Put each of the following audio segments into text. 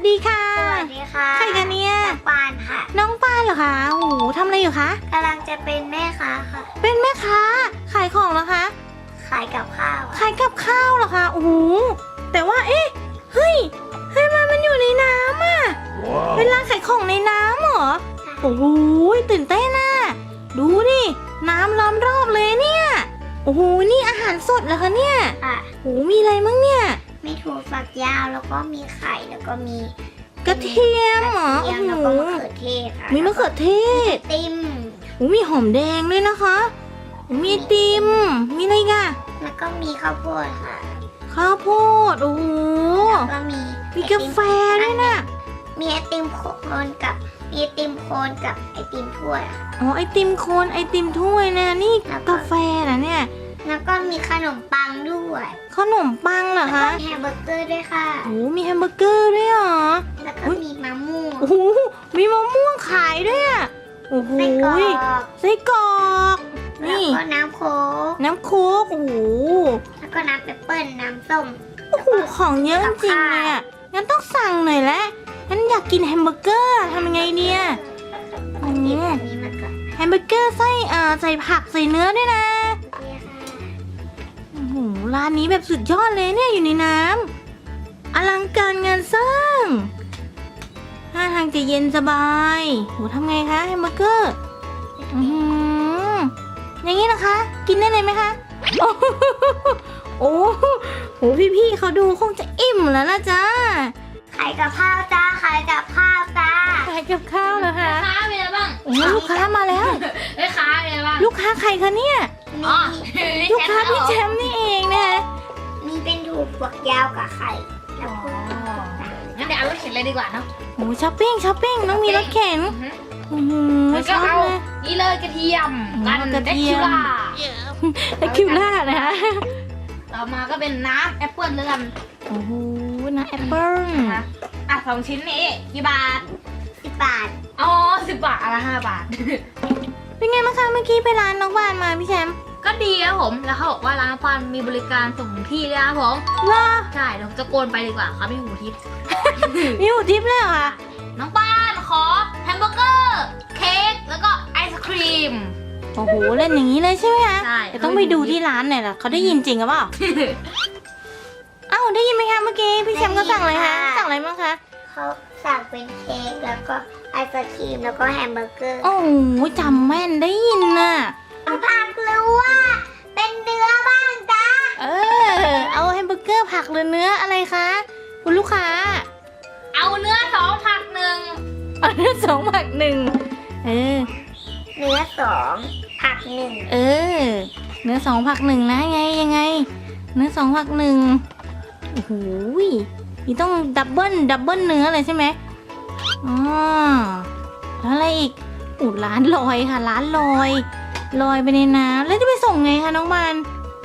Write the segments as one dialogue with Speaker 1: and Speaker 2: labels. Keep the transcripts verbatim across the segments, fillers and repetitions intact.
Speaker 1: ดีค่ะ
Speaker 2: สวัสดีค่ะ
Speaker 1: ใครกันเนี่ย
Speaker 2: น้องปานค่ะ
Speaker 1: น้องปานเหรอคะโอ้โหทำอะไรอยู่คะ
Speaker 2: กำลังจะเป็นแม่ค้าค่ะ
Speaker 1: เป็นแม่ค้าขายของเหรอคะ
Speaker 2: ขายกับข้าว
Speaker 1: ขายกับข้าวเหรอคะโอ้โหแต่ว่าเอ๊ะเฮ้ยเฮ้ยมันมันอยู่ในน้ำอ่ะ
Speaker 3: Wow.
Speaker 1: เป็นร้านขายของในน้ำเหรอโอ้โหตื่นเต้นน่ะดูดิน้ำล้อมรอบเลยเนี่ยโอ้โหนี่อาหารสดเหรอคะเนี่ย
Speaker 2: ค่ะ
Speaker 1: โอ้โหมีอะไรมั่งเนี่ย
Speaker 2: มีถั่วฝักยาวแล้วก็มีไข่แล้วก็มี
Speaker 1: กระเทียมเหรอก
Speaker 2: ระ
Speaker 1: โอ้
Speaker 2: เทียม
Speaker 1: โห
Speaker 2: แล้วก็มะเขือเทศค่ะ
Speaker 1: มีมะเขือเทศ
Speaker 2: ติม
Speaker 1: โอ้มีหอมแดงด้วยนะคะโอ้มีไอติมมีอะไรอีกัน
Speaker 2: แล้วก็มีข้าวโพดค่ะ
Speaker 1: ข้าวโพดโอ้โห
Speaker 2: แล้วก็มี
Speaker 1: มีกาแฟด้วยนะ
Speaker 2: มีไอติมโคนกับมีไอติมโคนกับไอติมถ้วยค่ะ
Speaker 1: อ๋อไอติมโคนไอติมถ้วยนะนี่
Speaker 2: แล้วก็
Speaker 1: กาแฟนะเนี่ย
Speaker 2: แล้วก็มีขนมปังด้วย
Speaker 1: ขนมปังเหรอ
Speaker 2: แล้วก็
Speaker 1: คะ
Speaker 2: มีแฮมเบอร์เกอร์ด้วยค่ะ
Speaker 1: โอ้มีแฮมเบอร์เกอร์ด้วยเหรอ
Speaker 2: แล้วก็
Speaker 1: อุ๊ย
Speaker 2: มีมะม่วง
Speaker 1: โอ้โหมีมะม่วงขายด้วยอ่ะโอ้โห
Speaker 2: ไส้กรอก
Speaker 1: ไส้กรอก
Speaker 2: แล้ว
Speaker 1: นี่
Speaker 2: ก็น้ำโค้ก
Speaker 1: น้ำโค้กโอ้โห
Speaker 2: แล้วก็น้ำเปปเปิ้ลน้ำส้ม
Speaker 1: โอ้โหของเยอะจริงๆเลยอ่ะงั้นต้องสั่งหน่อยแล้วงั้นอยากกินแฮมเบอร์เกอร์ทำยังไงเนี่ย
Speaker 2: กินอันนี้มาก่อน
Speaker 1: แฮมเบอร์เกอร์ไส้เอ่อใส่ผักใส่เนื้อด้วยนะ
Speaker 2: นี่ค่ะ
Speaker 1: โอ้โหร้านนี้แบบสุดยอดเลยเนี่ยอยู่ในน้ำอลังการงานสร้างท่าทางจะเย็นสบายโหทำไงคะแฮมเบอร์เกอร์อือหืออย่างนี้นะคะ กินได้เลยไหมคะ โอ้โหโอ้โหพี่ๆเขาดูคงจะอิ่มแล้วล่ะจ้า
Speaker 2: ขายกับข้าวจ้าขายกับข้าวจ้า
Speaker 1: ขายกับข้าวเหรอคะ
Speaker 4: ค้าเป็นอะไรบ้าง
Speaker 1: โอ้โหลูกค้ามาแล้ว
Speaker 4: เอ้ยค้าเป็นอะไรบ้าง
Speaker 1: ลูกค้าใครคะเนี่ย
Speaker 2: มี
Speaker 4: อ๋อ
Speaker 1: ลูกค้าพี่แชมป์นี่เองนะคะ
Speaker 2: มีเป็นถั่วฝักยาวกับไข่แล้วก็
Speaker 4: งั้นเดี๋ยวเอารถเข็นเลยดีกว่าเนาะ
Speaker 1: โอ้โหช้อปปิ้งช้อปปิ้งต้องมีรถเข็นอือหือ
Speaker 4: แล้ว
Speaker 1: ช
Speaker 4: ก็
Speaker 1: อบ
Speaker 4: เอา
Speaker 1: เลย
Speaker 4: นี่เลยกระเทียมกัน
Speaker 1: กระเทียม
Speaker 4: แดคิวล่า
Speaker 1: แต่คิวล่านะคะ
Speaker 4: ต่อมาก็เป็นน้ำแอปเปิ้ลแล้วกัน
Speaker 1: โอ้โหนะแอปเปิ้ล
Speaker 4: นะคะอ่ะสองชิ้นนี้กี่บาท
Speaker 2: สิบบาท
Speaker 4: อ๋อสิบบาทอนละไรห้าบาท
Speaker 1: เป็นไงบ้างคะเมื่อกี้ไปร้านน้องบานมาพี่แชมป์
Speaker 4: ก็ดีครับผม แล้วเขาบอกว่าร้านปันมีบริการส่งถึงที่ด้วยนะครับผม
Speaker 1: เหรอ
Speaker 4: ใช่เดี๋ยวผมจะโกนไปดีกว่าเขาไม่หูทิพย์
Speaker 1: มีหูทิพย์เลยเหรอคะ
Speaker 4: น้องปานขอแฮมเบอร์เกอร์เค้กแล้วก็ไอศครีม
Speaker 1: โอ้โหเล่นอย่างนี้เลยใช่ไหมคะ
Speaker 4: ใช่
Speaker 1: เดี๋ยวต้องไปดูที่ร้านหน่อยล่ะเขาได้ยินจริงหรือเปล่าเอ้าได้ยินไหมคะเมื่อกี้พี่แชมป์ก็สั่งอะไรคะสั่งอะไรบ้างคะ
Speaker 2: เขาสั่งเป็นเค้กแล้วก็ไอศครีมแล้วก็แฮมเบอร์เกอร์
Speaker 1: โอ้โหจำแม่นได้ยินน่ะ
Speaker 2: ผักหรือว่าเป็นเนื้อบ้างจ้า
Speaker 1: เออเอาแฮมเบอร์เกอร์ผักหรือเนื้ออะไรคะคุณลูกค้า
Speaker 4: เอาเนื้อสองผักหนึ่ง
Speaker 1: เอาเนื้อสองผักหนึ่งเออ
Speaker 2: เนื้อสองผักหนึ่ง
Speaker 1: เออ เนื้อสองผักหนึ่งนะไงยังไง เนื้อสองผักหนึ่งโอ้โหนี่ต้องดับเบิลดับเบิลเนื้อเลยใช่ไหมอ๋อแล้วอะไรอีกอูดร้านลอยค่ะ ร้านลอยลอยไปในน้ำแล้วจะไปส่งไงคะน้องบาน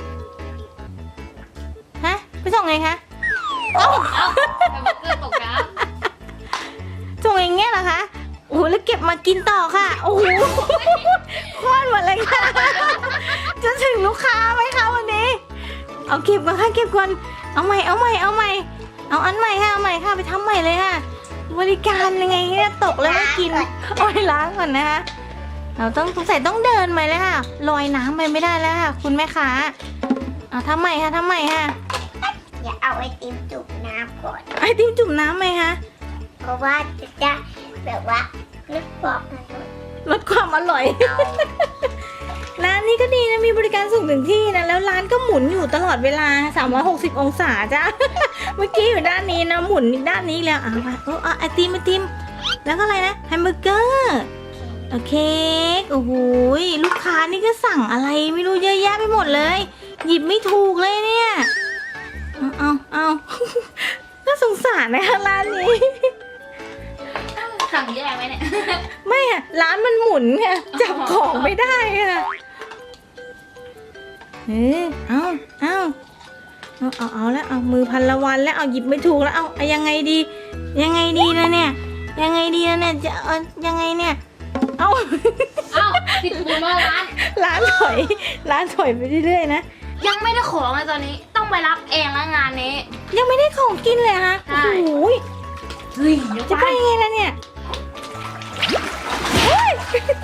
Speaker 1: ฮะไปส่งไงคะ
Speaker 4: เอ้าแฮมเบอร์เกอร์ตกน้
Speaker 1: ส่งอย่างเงี้ยเหรอคะโอ้โหแล้วเก็บมากินต่อค่ะโอ้โหคว้านหมดเลยค่ะ จะถึงลูกค้าไหมคะวันนี้ เอาเก็บก่อนค่ะเก็บก่อนเอาใหม่เอาใหม่เอาใหม่เอาอันใหม่ค่ะเอาใหม่ค่ะไปทำใหม่เลยค่ะ บริการยังไงเนี่ยตกแล้วไม่กินโอ้ยล้างก่อนนะคะเราต้องสงสัยต้องเดินไปเลยค่ะลอยน้ำไปไม่ได้แล้วค่ะ คุณแม่ค้าเอาทำใหม่ค่ะทำใหม่ค่ะ
Speaker 2: อย่าเอาไอติมจุ่มน้ำก่อน
Speaker 1: ไอติมจุ่มน้ำไหมคะ
Speaker 2: เพราะว่าจะได้แบบว่าลึกบอกกันหน่อย
Speaker 1: ลดความอร่อย ร้านนี้ก็ดีนะมีบริการส่งถึงที่นะแล้วร้านก็หมุนอยู่ตลอดเวลาสามร้อยหกสิบองศาจ้ะ เมื่อกี้อยู่ด้านนี้นะหมุนอีกด้านนี้แล้วอ่ะมาเออเอาไอติมไอติมแล้วก็อะไรนะแฮมเบอร์เกอร์โอเคโอ้โหลูกค้านี่ก็สั่งอะไรไม่รู้เยอะแยะไปหมดเลย หยิบไม่ถูกเลยเนี่ยเอาเอาเอา น่าสงสารนะคะร้านนี้
Speaker 4: ำสั่งแย่ไหมเนี่ย
Speaker 1: ไม่อะร้านมันหมุนไงจับของไม่ได้อะเออเอาเอาเอาเอาเอาแล้วเอามือพันละวันแล้วเอาหยิบไม่ถูกแล้วเอาเอายังไงดี ยังไงดีนะเนี่ย ยังไงดีนะเนี่ยจะเอายังไงเนี่ย เอา
Speaker 4: เอ้าติดปูนมาร้าน
Speaker 1: ร้านถอยร้านถอยไปเรื่อยๆนะ
Speaker 4: ยังไม่ได้ของเลยตอนนี้ ต้องไปรับเองแล้วงานนี้
Speaker 1: ยังไม่ได้ของกินเลยฮะ
Speaker 4: ใช่
Speaker 1: โอ้โห
Speaker 4: เฮ้ยเดี๋ยว
Speaker 1: จะ
Speaker 4: ไป
Speaker 1: ไปยังไงล่ะเนี่ยโอ๊ย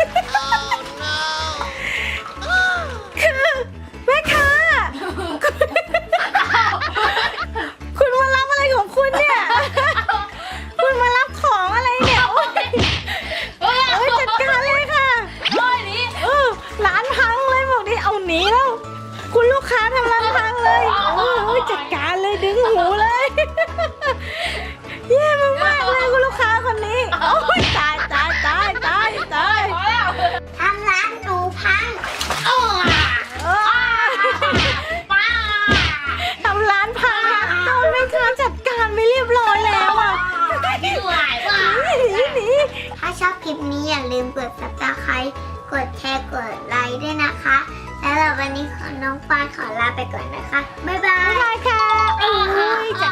Speaker 1: คือแม่ค้าคุณมารับอะไรของคุณเนี่ย คุณมารับของอะไรเนี่ยโอ๊ย
Speaker 4: เฮ้ย
Speaker 1: เอ้ยจัดการเลยค่ะ
Speaker 4: เฮ้ยนี่
Speaker 1: เออร้านพังเลยบอกนี่เอาหนีแล้ว คุณลูกค้าทำร้านพังเลยเออเอ้ยจัดการเลยดึงหูเลยแย่มากๆเลยคุณลูกค้าคนนี้โอ้ยตายตายตายตายตาย
Speaker 4: พอแล้ว
Speaker 2: ทำร้านหนูพัง
Speaker 4: โอ้
Speaker 1: เออ
Speaker 4: ป้า
Speaker 1: ทำร้านพังโดนแม่ค้าจัดการไม่เรียบร้อยแล้วอ่ะ
Speaker 4: เหนื่อยว่ะ
Speaker 1: หนีหนี
Speaker 2: ถ้าชอบคลิปนี้อย่าลืมกด ซับสไครบ์ กดแชร์ กดไลค์ด้วยนะคะ แล้ววันนี้ขอน้องปานขอลาไปก่อนนะคะ บ๊ายบา
Speaker 1: บ๊าย
Speaker 2: ย
Speaker 1: บายค่ะโอ้ยจัด